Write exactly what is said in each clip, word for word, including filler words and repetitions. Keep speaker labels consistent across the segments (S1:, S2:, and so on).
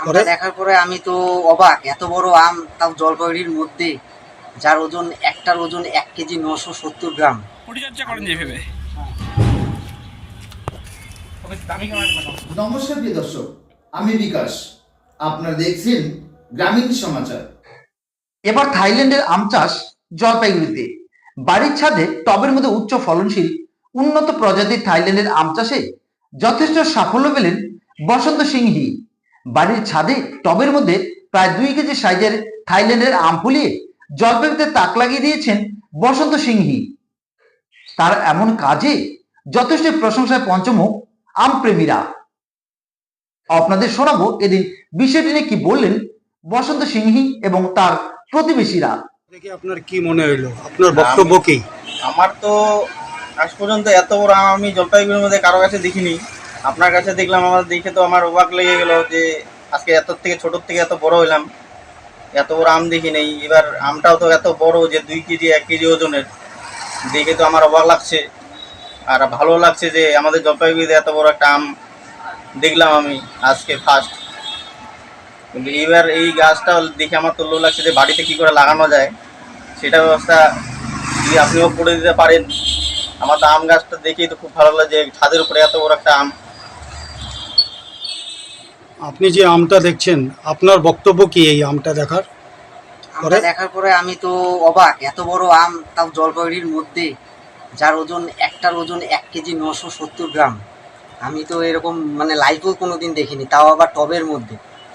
S1: আমটা দেখার পরে আমি তো অবাক, এত বড় আম, তাও জলপাইগুড়ির মধ্যে, যার ওজন একটার ওজন এক কেজি নশো সত্তর গ্রাম।
S2: পরিচর্যা করেন যেভাবে।
S3: নমস্কার প্রিয় দর্শক, আমি বিকাশ, আপনারা দেখছেন গ্রামীণ সমাচার।
S4: এবার থাইল্যান্ডের আম চাষ জলপাইগুড়িতে। বাড়ির ছাদে টবের মধ্যে উচ্চ ফলনশীল উন্নত প্রজাতির থাইল্যান্ডের আম চাষে যথেষ্ট সাফল্য পেলেন বসন্ত সিংহি। বাড়ির ছাদে টবের মধ্যে প্রায় দুই কেজি সাইজের থাইল্যান্ডের আম ফলিয়ে জলপাইগুড়িতে তাক লাগিয়ে দিয়েছেন বসন্ত সিংহি। তার এমন কাজে যথেষ্ট প্রশংসায় পঞ্চমুখ আম প্রেমীরা। আপনাদের শোনাবো এদিন বিষয়টি নিয়ে কি বললেন বসন্ত সিংহি এবং তার প্রতিবেশীরা।
S5: দেখে আপনার কি মনে হইলো, আপনার বক্তব্য কি?
S6: আমার তো আজ পর্যন্ত এত বড় আম আমি জলপাইগুড়ির মধ্যে কারো কাছে দেখিনি। আপনার কাছে দেখলাম, আমার দেখে তো আমার অবাক লেগে গেল যে আজকে এত থেকে ছোটোর থেকে এত বড় হইলাম, এত বড় আম দেখি নেই। এবার আমটাও তো এত বড় যে দুই কেজি এক কেজি ওজনের, দেখে তো আমার অবাক লাগছে আর ভালো লাগছে যে আমাদের জলপাইগুড়িতে এত বড় একটা আম দেখলাম আমি আজকে ফার্স্ট। কিন্তু এবার এই গাছটা দেখে আমার তো লো লাগছে যে বাড়িতে কী করে লাগানো যায় সেটা ব্যবস্থা যদি আপনিও করে দিতে পারেন। আমার তো আম গাছটা দেখেই তো খুব ভালো লাগে যে ছাদের উপরে এত বড় একটা আম।
S5: আপনি যে আমটা দেখছেন, আপনার বক্তব্য কি এই আমটা দেখার
S1: আমটা
S5: পরে?
S1: দেখার পরে আমি তো অবাক, এত বড় আম, তাও জলপাইগুড়ির মধ্যে, যার ওজন একটার ওজন এক কেজি নশো সত্তর গ্রাম। আমি তো এরকম মানে লাইভেও কোনোদিন দেখিনি, তাও আবার টবের মধ্যে।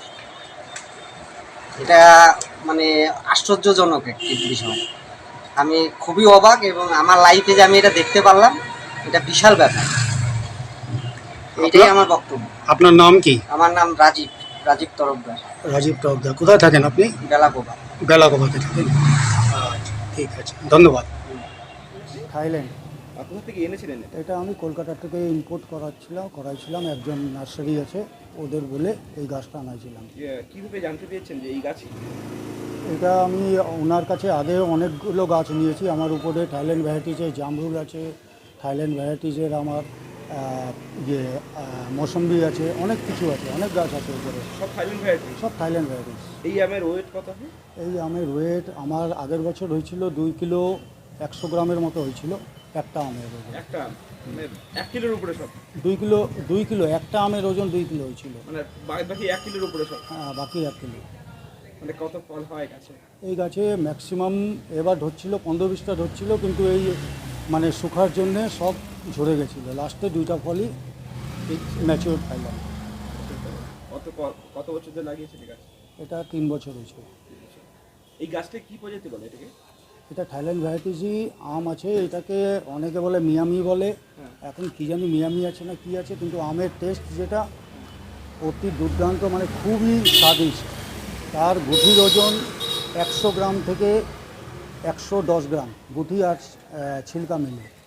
S1: এটা মানে আশ্চর্যজনক একটি বিষয়। আমি খুবই অবাক এবং আমার লাইফে যে আমি এটা দেখতে পারলাম, এটা বিশাল ব্যাপার। এটাই আমার বক্তব্য।
S5: আপনার নাম কি?
S1: আমার নাম রাজীব রাজীব তরফদার।
S5: রাজীব টকদা। কোথায় থাকেন আপনি?
S1: বেলাগোবা।
S5: বেলাগোবাতে থাকেন। আচ্ছা, ঠিক আছে, ধন্যবাদ।
S7: থাইল্যান্ড।
S8: আর কোথা থেকে এনেছিলেন এটা?
S7: এটা আমি কলকাতা থেকে ইম্পোর্ট করাচ্ছিলাম করাইছিলাম একজন নার্সারি আছে ওদের বলে এই গাছটা আনাইছিলাম।
S8: যে কীভাবে জানতে পেরেছেন যে এই গাছই?
S7: এটা আমি ওনার কাছে আগে অনেকগুলো গাছ নিয়েছি। আমার উপরে থাইল্যান্ড ভ্যারাইটিজের জামরুল আছে, থাইল্যান্ড ভ্যারাইটিজের আমার ইয়ে মৌসম্বি আছে, অনেক কিছু আছে, অনেক গাছ আছে উপরে।
S8: সব থাইল্যান্ড ভ্যারাইটি?
S7: সব থাইল্যান্ড ভ্যারাইটিস।
S8: এই আমের ওয়েট কত হয়?
S7: এই আমের ওয়েট আমার আগের বছর হয়েছিল দুই কিলো একশো গ্রামের মতো হয়েছিল একটা আমের ওজন।
S8: একটা আম মানে এক কিলোর উপরে সব?
S7: দুই কিলো দুই কিলো একটা আমের ওজন দুই কিলো হয়েছিল।
S8: মানে বাদ বাকি এক কিলোর উপরে সব?
S7: হ্যাঁ, বাকি এক কিলো।
S8: মানে কত ফল হয় গাছে?
S7: এই গাছে ম্যাক্সিমাম এবার ধরছিল পনেরো বিশটা ধরছিল, কিন্তু এই মানে শুকার জন্যে সব ঝরে গেছিলো। লাস্টে দুইটা ফলই ম্যাচিওর পাইলাম।
S8: কত ক- কত বছর ধরে লাগিয়েছেন এই গাছ?
S7: এটা তিন বছর হয়েছে।
S8: এই গাছটা কি প্রজাতি বলে এটাকে?
S7: এটা থাইল্যান্ড ভ্যারাইটিসই আম আছে। এটাকে অনেকে বলে মিয়ামি বলে, এখন কী জানি মিয়ামি আছে না কি আছে, কিন্তু আমের টেস্ট যেটা অতি দুর্দান্ত, মানে খুবই স্বাদিষ্ট। তার গুঠির ওজন একশো গ্রাম থেকে একশো দশ গ্রাম, গুঠি আর আহ, ছিলকা মিলে।